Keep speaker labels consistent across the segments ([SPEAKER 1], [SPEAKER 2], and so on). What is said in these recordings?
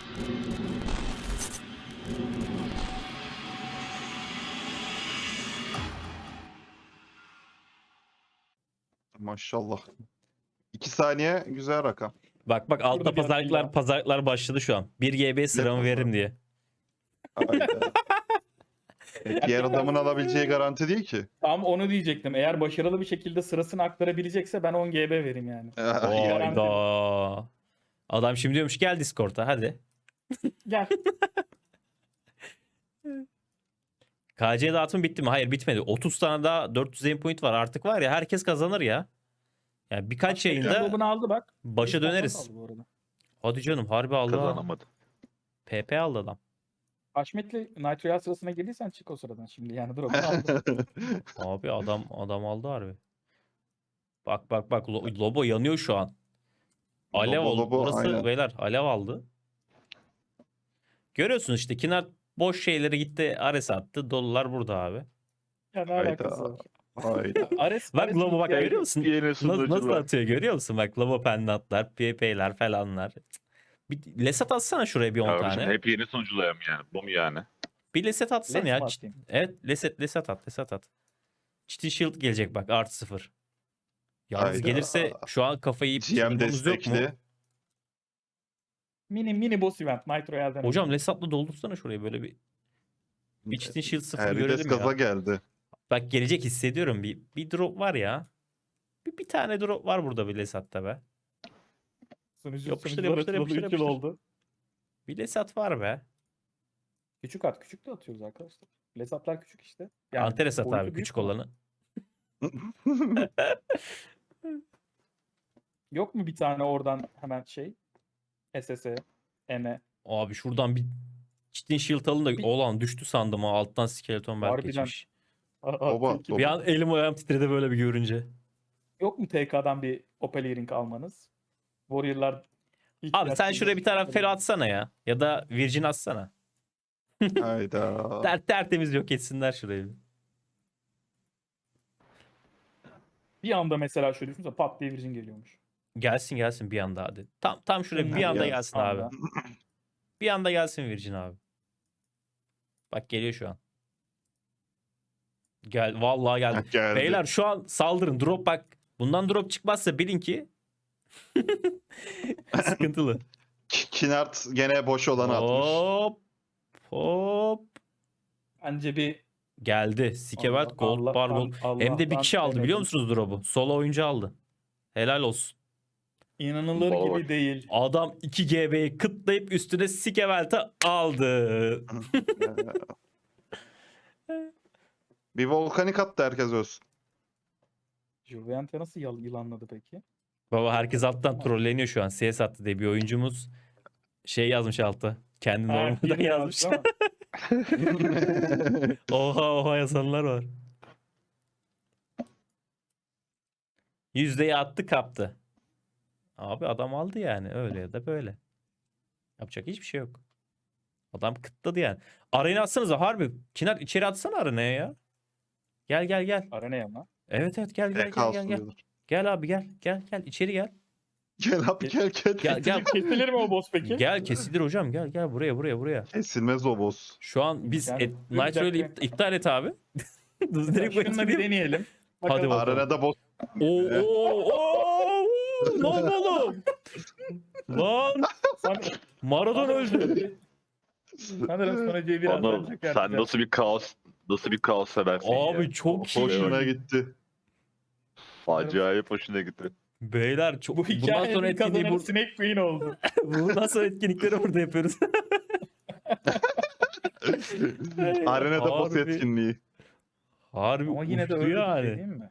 [SPEAKER 1] Maşallah. 2 saniye güzel rakam.
[SPEAKER 2] Bak bak altta
[SPEAKER 3] Burada bir atayım
[SPEAKER 2] pazarlıklar başladı şu an. 1 GB sıramı veririm diye.
[SPEAKER 1] Hayda. Diğer adamın alabileceği garanti değil ki.
[SPEAKER 3] Tam onu diyecektim. Eğer başarılı bir şekilde sırasını aktarabilecekse ben 10 GB vereyim yani.
[SPEAKER 1] Yani.
[SPEAKER 2] Hayda. Adam şimdi diyormuş gel Discord'a hadi.
[SPEAKER 3] Gel.
[SPEAKER 2] KC dağıtım bitti mi? Hayır bitmedi. 30 tane daha 400 endpoint var. Artık var ya herkes kazanır ya. Yani birkaç yayında
[SPEAKER 3] Drop'unu aldı bak.
[SPEAKER 2] başa
[SPEAKER 3] Bir tane
[SPEAKER 2] döneriz.
[SPEAKER 3] aldı bu arada.
[SPEAKER 2] Hadi canım harbi aldı. ha.
[SPEAKER 4] Kazanamadı.
[SPEAKER 2] PP aldı adam.
[SPEAKER 3] Haşmetli Nitro sırasına girdiysen çık o sıradan şimdi. Yani drop'unu aldı.
[SPEAKER 2] Abi adam aldı harbi. Bak bak bak Lobo yanıyor şu an. Alev oldu.
[SPEAKER 1] Lobo,
[SPEAKER 2] Burası
[SPEAKER 1] aynen.
[SPEAKER 2] beyler alev aldı. Görüyorsunuz işte Kinar boş şeyleri gitti Ares attı. Dolular burada abi.
[SPEAKER 3] Ya ne alakası var?
[SPEAKER 1] Hayda.
[SPEAKER 3] Ares,
[SPEAKER 2] Bak
[SPEAKER 3] Ares
[SPEAKER 2] Lobo bak
[SPEAKER 3] yani
[SPEAKER 2] görüyor musun?
[SPEAKER 4] Yeni
[SPEAKER 2] Nasıl
[SPEAKER 4] sunucular.
[SPEAKER 2] atıyor görüyor musun? Bak Lobo pendantlar, PP'ler falanlar. Bir Lesat atsana şuraya bir 10
[SPEAKER 4] Kardeşim
[SPEAKER 2] tane.
[SPEAKER 4] hep yeni sunuculayım yani. Bu mu yani?
[SPEAKER 2] Bir Lesat atsana
[SPEAKER 3] Lens
[SPEAKER 2] ya.
[SPEAKER 3] mi atayım?
[SPEAKER 2] Evet Lesat at. Çiti Shield gelecek bak artı 0. Yalnız
[SPEAKER 1] Hayda.
[SPEAKER 2] gelirse şu an kafayı yiyip
[SPEAKER 1] GM
[SPEAKER 2] çıkmamız yok mu?
[SPEAKER 1] destekli.
[SPEAKER 3] Mini boss event Nitro Elden.
[SPEAKER 2] Hocam Lesat'la doldursana şurayı böyle bir Çitin Shield 0
[SPEAKER 1] Herdes
[SPEAKER 2] görelim
[SPEAKER 1] gaza
[SPEAKER 2] ya.
[SPEAKER 1] geldi.
[SPEAKER 2] Bak gelecek hissediyorum. Bir drop var ya. Bir tane drop var burada bir Lesat'ta be. Yapıştır, yapıştır.
[SPEAKER 3] oldu.
[SPEAKER 2] Bir Lesat var be.
[SPEAKER 3] Küçük de atıyoruz arkadaşlar. Lesatlar küçük işte.
[SPEAKER 2] Antares at
[SPEAKER 3] boyutu
[SPEAKER 2] abi
[SPEAKER 3] büyük
[SPEAKER 2] küçük
[SPEAKER 3] ama.
[SPEAKER 2] olanı.
[SPEAKER 3] Yok mu bir tane oradan hemen şey? SS'e, M'e.
[SPEAKER 2] Abi şuradan bir Çitin Shield alın da
[SPEAKER 3] Bir-
[SPEAKER 2] olan düştü sandım ha. Alttan skeleton belki
[SPEAKER 3] Harbiden.
[SPEAKER 2] geçmiş.
[SPEAKER 1] Baba,
[SPEAKER 2] Bir an elim ayağım titredi böyle bir görünce.
[SPEAKER 3] Yok mu TK'dan bir Opal Earring almanız? Warrior'lar
[SPEAKER 2] Abi sen şuraya bir tane Fero atsana ya. Ya da Virgin atsana.
[SPEAKER 1] Hayda.
[SPEAKER 2] Tertemiz yok etsinler şurayı.
[SPEAKER 3] Bir anda mesela şöyle düşünsene pat diye Virgin geliyormuş.
[SPEAKER 2] Gelsin bir anda hadi. Tam şuraya bir
[SPEAKER 3] Ya,
[SPEAKER 2] anda gelsin abi.
[SPEAKER 3] anda.
[SPEAKER 2] Bir anda gelsin Virgin abi. Bak geliyor şu an. Vallahi geldi.
[SPEAKER 1] Geldi.
[SPEAKER 2] Beyler şu an saldırın. Drop bak. Bundan drop çıkmazsa bilin ki sıkıntılı.
[SPEAKER 1] Kinart gene boş olanı atmış.
[SPEAKER 2] Hop.
[SPEAKER 3] Bence bir
[SPEAKER 2] Geldi. Sikevelt Gold
[SPEAKER 3] Allah-
[SPEAKER 2] Bar Gold.
[SPEAKER 3] Allah'tan
[SPEAKER 2] Hem de bir kişi aldı biliyor
[SPEAKER 3] demedim.
[SPEAKER 2] musunuz drop'u? Solo oyuncu aldı. Helal olsun.
[SPEAKER 3] İnanılır
[SPEAKER 4] Baba
[SPEAKER 3] gibi
[SPEAKER 4] bak.
[SPEAKER 3] değil.
[SPEAKER 2] Adam 2 GB'yi kıtlayıp üstüne Sikevelt'i aldı.
[SPEAKER 1] Bir volkanik attı herkes olsun.
[SPEAKER 3] Juvente nasıl yılanladı peki?
[SPEAKER 2] Baba herkes alttan trolleniyor şu an. CS attı diye bir oyuncumuz şey yazmış altta. Kendini olmadan
[SPEAKER 3] birini
[SPEAKER 2] yazmış.
[SPEAKER 3] yazdı ama
[SPEAKER 2] Oha yazanlar var. Yüzdeyi attı kaptı. Abi adam aldı yani öyle ya da böyle. Yapacak hiçbir şey yok. Adam kıtladı yani. Arena'ya atsanıza harbi. Kinar içeri atsana arena'ya ya. Gel.
[SPEAKER 3] Arena'ya ama.
[SPEAKER 2] Evet gel. Gel abi gel içeri gel.
[SPEAKER 1] Gel abi gel.
[SPEAKER 2] Gel.
[SPEAKER 3] Kesilir mi o boss peki?
[SPEAKER 2] Gel kesilir hocam gel buraya.
[SPEAKER 1] Kesilmez o boss.
[SPEAKER 2] Şu an biz
[SPEAKER 3] Yani,
[SPEAKER 2] Nitro'yu
[SPEAKER 3] bir dakika.
[SPEAKER 2] iptal et abi. Direkt
[SPEAKER 3] Şununla bir
[SPEAKER 2] böyle
[SPEAKER 3] deneyelim.
[SPEAKER 2] Hadi
[SPEAKER 3] Bakalım.
[SPEAKER 2] bakalım.
[SPEAKER 1] Arenada boss.
[SPEAKER 2] Oo. Ne oldu oğlum? Lan Maradona öldü.
[SPEAKER 3] Sanırım sonra C1
[SPEAKER 4] Anıl
[SPEAKER 3] atlanacak
[SPEAKER 4] sen
[SPEAKER 3] yani.
[SPEAKER 4] nasıl bir kaos seversin ya.
[SPEAKER 2] Abi çok iyi.
[SPEAKER 1] Hoşuna gitti.
[SPEAKER 4] Acayip hoşuna gitti.
[SPEAKER 2] Beyler çok
[SPEAKER 3] Bu
[SPEAKER 2] bundan sonra
[SPEAKER 3] hikayenin
[SPEAKER 2] etkinliği
[SPEAKER 3] kazananı Snake Queen oldu.
[SPEAKER 2] bundan sonra etkinlikleri burada yapıyoruz.
[SPEAKER 1] Arenada boss
[SPEAKER 2] Harbi.
[SPEAKER 1] etkinliği.
[SPEAKER 2] Harbi
[SPEAKER 3] Ama yine de
[SPEAKER 2] uçtu
[SPEAKER 3] öyle bir
[SPEAKER 2] yani.
[SPEAKER 3] şey değil mi?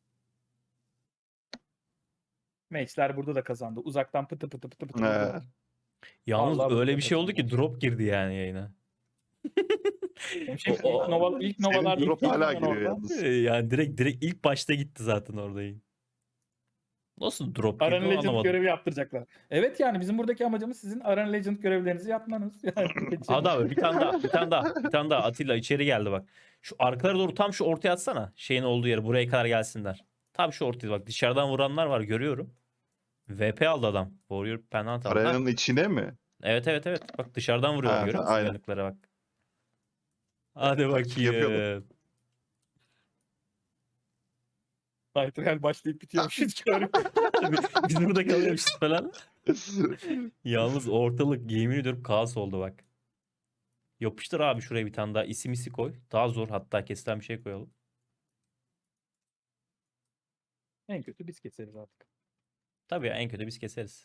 [SPEAKER 3] Maçlar burada da kazandı. Uzaktan pıtı pıtı.
[SPEAKER 1] He.
[SPEAKER 2] Yalnız
[SPEAKER 3] Vallahi
[SPEAKER 2] öyle
[SPEAKER 3] burada
[SPEAKER 2] bir şey oldu ki
[SPEAKER 3] kazandılar.
[SPEAKER 2] drop girdi yani yayına.
[SPEAKER 3] Hemşehrim ilk
[SPEAKER 1] Senin
[SPEAKER 3] novalarda
[SPEAKER 1] drop hala giriyor yalnız.
[SPEAKER 2] Yani direkt ilk başta gitti zaten orada yayın. Nasıl drop girdi
[SPEAKER 3] Arena
[SPEAKER 2] onu
[SPEAKER 3] Legend
[SPEAKER 2] anlamadım.
[SPEAKER 3] görevi yaptıracaklar. Evet yani bizim buradaki amacımız sizin Arena Legend görevlerinizi yapmanız. Yani
[SPEAKER 2] Hadi abi bir tane daha Atilla içeri geldi bak. Şu arkalara doğru tam şu ortaya atsana. Şeyin olduğu yere buraya kadar gelsinler. Tam şu ortaya bak dışarıdan vuranlar var görüyorum. VP aldı adam. Warrior Penant aldı.
[SPEAKER 1] Arenanın içine mi?
[SPEAKER 2] Evet evet evet. Bak dışarıdan vuruyorlar
[SPEAKER 1] Ha,
[SPEAKER 2] görüyor musun
[SPEAKER 1] aynen.
[SPEAKER 2] uyanıklara bak. Hadi
[SPEAKER 1] Taktik yapıyorlar.
[SPEAKER 2] bakayım.
[SPEAKER 3] Night Real başlayıp bitiyormuş hiç görmüyorum.
[SPEAKER 2] Biz burada kalıyormuşuz falan. Yalnız ortalık yemin ediyorum kaos oldu bak. Yapıştır abi şuraya bir tane daha isim isi koy. Daha zor hatta kesilen bir şey koyalım.
[SPEAKER 3] En kötü biz keseriz artık.
[SPEAKER 2] Tabii ya en kötü biz keseriz.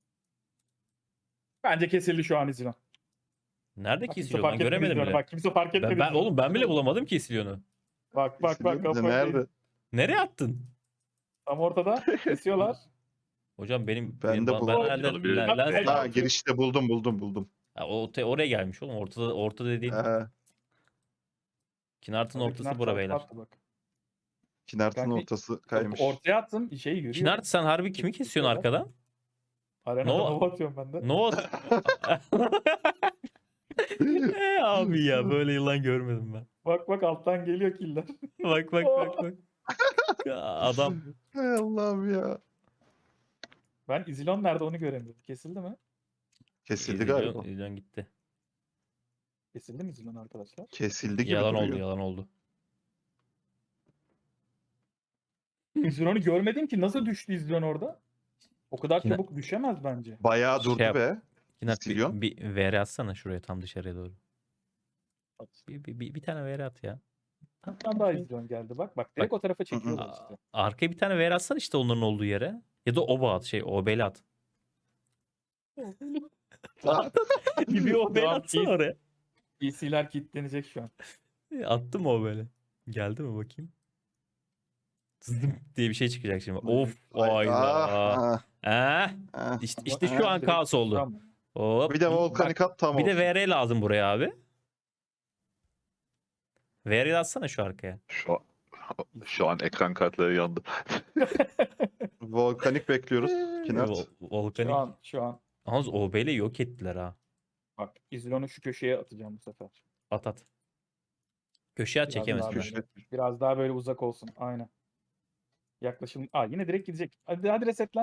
[SPEAKER 3] Bence kesildi şu an İzlon.
[SPEAKER 2] Nerede
[SPEAKER 3] Bak kimse
[SPEAKER 2] kesiliyor lan
[SPEAKER 3] fark etmedi
[SPEAKER 2] göremedim
[SPEAKER 3] İzlon'u.
[SPEAKER 2] bile.
[SPEAKER 3] Bak kimse fark etmedi İzlon'u.
[SPEAKER 2] Oğlum ben bile bulamadım ki Isilyon'u.
[SPEAKER 3] Bak bak bak
[SPEAKER 1] Kesiliyor bize,
[SPEAKER 3] kafayı
[SPEAKER 1] nerede?
[SPEAKER 2] Nereye attın?
[SPEAKER 3] tam ortada kesiyorlar.
[SPEAKER 2] Hocam benim
[SPEAKER 1] Ben de
[SPEAKER 2] ben
[SPEAKER 1] bulamadım.
[SPEAKER 2] herhalde
[SPEAKER 4] Onu bile-
[SPEAKER 2] lens
[SPEAKER 1] Ha,
[SPEAKER 2] var.
[SPEAKER 1] girişte buldum.
[SPEAKER 2] Ha, oraya gelmiş oğlum. Ortada dediğin. Kinart'ın
[SPEAKER 3] Orada
[SPEAKER 2] ortası
[SPEAKER 3] Kinar
[SPEAKER 2] bura
[SPEAKER 3] çarpı
[SPEAKER 2] beyler.
[SPEAKER 3] attı bak.
[SPEAKER 1] Kinart'ın
[SPEAKER 3] Kanka,
[SPEAKER 1] ortası kaymış.
[SPEAKER 3] Ortaya attım şeyi yürüyor.
[SPEAKER 2] Kinart sen harbi kimi kesiyorsun arkadan?
[SPEAKER 3] Arenada
[SPEAKER 2] Nova-
[SPEAKER 3] Nova atıyorum ben de.
[SPEAKER 2] No. Abi ya böyle yılan görmedim ben.
[SPEAKER 3] Bak bak alttan geliyor killer.
[SPEAKER 2] Bak. Adam
[SPEAKER 1] Hay Allah'ım ya.
[SPEAKER 3] Ben İzlon nerede onu göremiyorum. Kesildi mi?
[SPEAKER 1] Kesildi galiba.
[SPEAKER 2] İzliyorsun gitti.
[SPEAKER 3] Kesildi mi İzlon arkadaşlar?
[SPEAKER 1] Kesildi gibi
[SPEAKER 2] Yalan
[SPEAKER 1] duruyor.
[SPEAKER 2] oldu, yalan oldu.
[SPEAKER 3] İzlon'u görmedim ki nasıl düştü İzlon orada? O kadar
[SPEAKER 2] Yine-
[SPEAKER 3] çabuk düşemez bence.
[SPEAKER 1] Bayağı durdu
[SPEAKER 2] Şey yap.
[SPEAKER 1] be.
[SPEAKER 2] Kinart
[SPEAKER 1] Silyon.
[SPEAKER 2] bir VR atsana şuraya tam dışarıya doğru. Bir tane VR at ya.
[SPEAKER 3] Bir tane daha İzlon geldi bak. Bak direkt o tarafa çekiyorlar
[SPEAKER 2] Aa,
[SPEAKER 3] işte.
[SPEAKER 2] Arkaya bir tane VR atsan işte onların olduğu yere. Ya da oba at OB'li at. bir OB'li
[SPEAKER 3] Tamam,
[SPEAKER 2] atsana
[SPEAKER 3] iyi.
[SPEAKER 2] oraya.
[SPEAKER 3] PC'ler kilitlenecek şu an.
[SPEAKER 2] Attım mı OB'li? Geldi mi bakayım? Zıdım diye bir şey çıkacak şimdi. Of ayda.
[SPEAKER 1] Ah,
[SPEAKER 2] Eh,
[SPEAKER 1] ah.
[SPEAKER 2] işte şu an
[SPEAKER 3] Direkt
[SPEAKER 2] kaos oldu.
[SPEAKER 3] tamam.
[SPEAKER 2] Hop.
[SPEAKER 1] Bir de volkanik at tam
[SPEAKER 2] Bir de
[SPEAKER 1] olsun.
[SPEAKER 2] VR lazım buraya abi. VR'yi atsana şu arkaya.
[SPEAKER 4] Şu an ekran kartları yandı.
[SPEAKER 1] Volkanik bekliyoruz. Kinart.
[SPEAKER 2] Volkanik.
[SPEAKER 3] Şu an.
[SPEAKER 2] Yalnız OB'li yok ettiler ha.
[SPEAKER 3] Bak İzlon'u şu köşeye atacağım bu sefer.
[SPEAKER 2] At. Köşeye at
[SPEAKER 3] Biraz
[SPEAKER 2] çekemez.
[SPEAKER 3] daha
[SPEAKER 1] Köşe.
[SPEAKER 3] böyle- Biraz daha böyle uzak olsun. Aynen. Yaklaşım. Yine direkt gidecek. Hadi resetlen.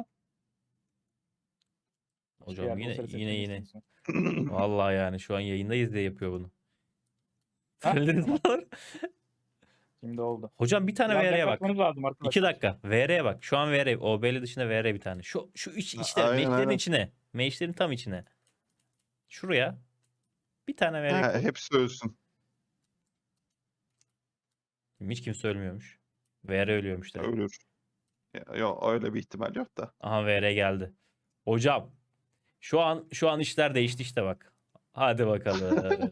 [SPEAKER 2] Hocam
[SPEAKER 3] Eğer
[SPEAKER 2] yine
[SPEAKER 3] olsa
[SPEAKER 2] yine.
[SPEAKER 3] resetlemesin.
[SPEAKER 2] Vallahi yani şu an yayındayız diye yapıyor bunu.
[SPEAKER 3] Ha?
[SPEAKER 2] Söylediniz mi?
[SPEAKER 3] Şimdi oldu.
[SPEAKER 2] Hocam bir tane
[SPEAKER 3] Biraz
[SPEAKER 2] VR'ye bak.
[SPEAKER 3] yaklaşmanız lazım arkadaşlar.
[SPEAKER 2] 2 dakika. VR'ye bak. Şu an VR. OB'li dışında VR bir tane. Şu işte
[SPEAKER 1] Aynen,
[SPEAKER 2] meşlerin
[SPEAKER 1] aynen.
[SPEAKER 2] içine. Meşlerin tam içine. Şuraya. Bir tane VR
[SPEAKER 1] Ha,
[SPEAKER 2] koy.
[SPEAKER 1] hepsi ölsün.
[SPEAKER 2] Hiç kimse ölmüyormuş. VR ölüyormuş direkt.
[SPEAKER 1] Ölür. Yok öyle bir ihtimal yok da.
[SPEAKER 2] Aha VR geldi. Hocam şu an işler değişti işte bak. Hadi bakalım.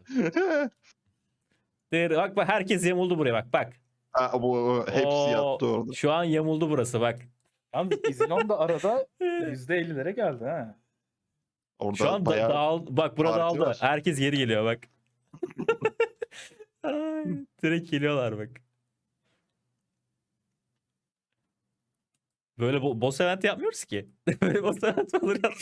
[SPEAKER 2] Bak herkes yamuldu buraya bak.
[SPEAKER 1] Ha, bu hepsi
[SPEAKER 2] Oo,
[SPEAKER 1] yattı orada.
[SPEAKER 2] Şu an yamuldu burası bak.
[SPEAKER 3] Yalnız İzlon da arada %50'lere geldi ha.
[SPEAKER 1] Orada
[SPEAKER 2] Şu an
[SPEAKER 1] bayağı
[SPEAKER 2] bak burada
[SPEAKER 1] parti
[SPEAKER 2] dağıldı.
[SPEAKER 1] var.
[SPEAKER 2] Herkes geri geliyor bak. Ay, direkt geliyorlar bak. Böyle boss event yapmıyoruz ki. Böyle boss event olur ya.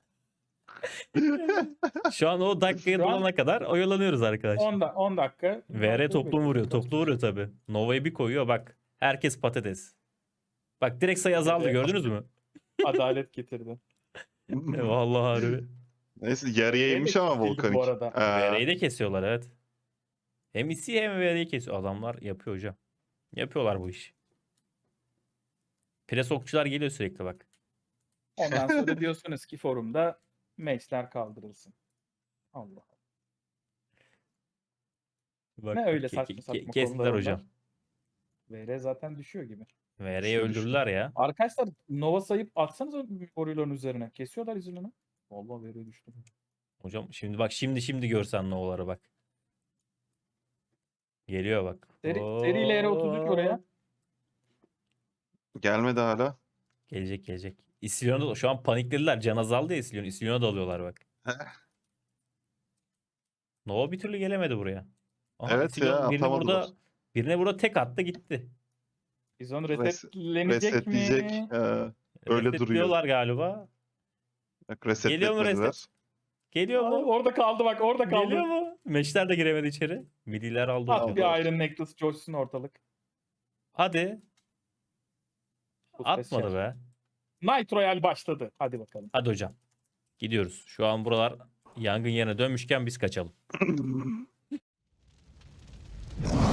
[SPEAKER 2] Şu an o dakikaya
[SPEAKER 3] Şu an-
[SPEAKER 2] dolana kadar oyalanıyoruz arkadaşlar.
[SPEAKER 3] 10 dakika.
[SPEAKER 2] VR toplum vuruyor.
[SPEAKER 3] Bekliyoruz.
[SPEAKER 2] Toplu vuruyor tabi. Nova'yı bir koyuyor bak. Herkes patates. Bak direkt sayı azaldı
[SPEAKER 3] Evet.
[SPEAKER 2] gördünüz mü?
[SPEAKER 3] Adalet getirdi.
[SPEAKER 2] Vallahi harbi.
[SPEAKER 1] Neyse yarıya
[SPEAKER 3] Şey de
[SPEAKER 1] inmiş ama
[SPEAKER 3] kesildi bu
[SPEAKER 1] volkanik.
[SPEAKER 3] arada.
[SPEAKER 2] VR'yi de kesiyorlar evet. Hem IC hem VR'yi kesiyor. Adamlar yapıyor hocam. Yapıyorlar bu işi. Pres okçular geliyor sürekli bak.
[SPEAKER 3] Ondan sonra diyorsunuz ki forumda matchler kaldırılsın. Allah.
[SPEAKER 2] Bak,
[SPEAKER 3] Ne öyle saçma saçma
[SPEAKER 2] kestiler
[SPEAKER 3] konular
[SPEAKER 2] hocam.
[SPEAKER 3] onlar. VR zaten düşüyor gibi.
[SPEAKER 2] VR'yi
[SPEAKER 1] Düştü.
[SPEAKER 2] öldürdüler ya.
[SPEAKER 3] Arkadaşlar Nova sayıp atsanız Orion'un üzerine. Kesiyorlar izini. Vallahi VR düştü.
[SPEAKER 2] Hocam şimdi bak şimdi görsen Nova'ları bak. Geliyor bak.
[SPEAKER 3] Seriyle R33 oraya.
[SPEAKER 1] Gelmedi hala.
[SPEAKER 2] Gelecek. İstilyon'a şu an paniklediler. Can azaldı ya İstilyon. İstilyon'a dalıyorlar bak. Nova bir türlü gelemedi buraya. Aha,
[SPEAKER 1] Evet
[SPEAKER 2] İstilyon
[SPEAKER 1] ya, atamadılar.
[SPEAKER 2] birine burada tek attı gitti.
[SPEAKER 3] İzon
[SPEAKER 1] Res-
[SPEAKER 3] resetlenecek mi?
[SPEAKER 1] Resetleyecek. Öyle duruyor.
[SPEAKER 2] Resetliyorlar galiba.
[SPEAKER 1] Bak
[SPEAKER 2] Geliyor mu
[SPEAKER 1] resetletmediler.
[SPEAKER 2] reset? Geliyor mu?
[SPEAKER 3] Orada kaldı bak orada kaldı.
[SPEAKER 2] Geliyor mu? Meşler de giremedi içeri. Midiler aldı.
[SPEAKER 3] At
[SPEAKER 2] hocam.
[SPEAKER 3] bir Iron Necklace coşsun ortalık.
[SPEAKER 2] Hadi.
[SPEAKER 3] Bu
[SPEAKER 2] Atmadı
[SPEAKER 3] special.
[SPEAKER 2] be.
[SPEAKER 3] Night Royale başladı. Hadi bakalım.
[SPEAKER 2] Hadi hocam. Gidiyoruz. Şu an buralar Yangın yerine dönmüşken biz kaçalım.